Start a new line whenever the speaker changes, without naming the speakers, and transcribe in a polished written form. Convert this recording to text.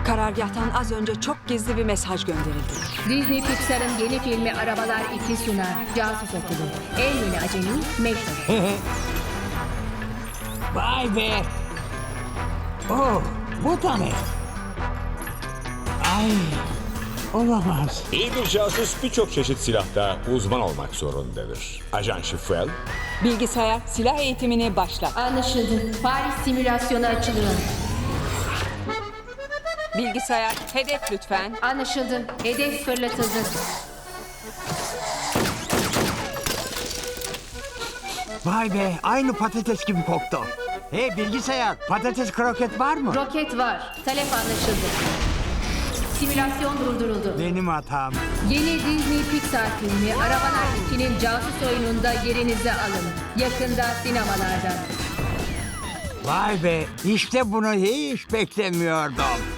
Karargâhtan az önce çok gizli bir mesaj gönderildi.
Disney Pixar'ın yeni filmi Arabalar 2 sunar. Casus Okulu. En yeni acemi Mektup.
Vay be. Oh, bu da ne? Ay, olamaz.
İyi bir casus birçok çeşit silahta uzman olmak zorundadır. Ajan Şifrel,
Bilgisayar silah eğitimini başlat.
Anlaşıldı. Paris simülasyonu açılıyor.
Bilgisayar hedef lütfen.
Anlaşıldı. Hedef fırlatıldı.
Vay be, aynı patates gibi koktu. Hey bilgisayar, patates kroket var mı?
Roket var. Talep anlaşıldı. Simülasyon durduruldu.
Benim hatam.
Yeni Disney Pixar filmi Arabalar 2'nin casus oyununda yerinizi alın. Yakında sinemalarda.
Vay be, işte bunu hiç beklemiyordum.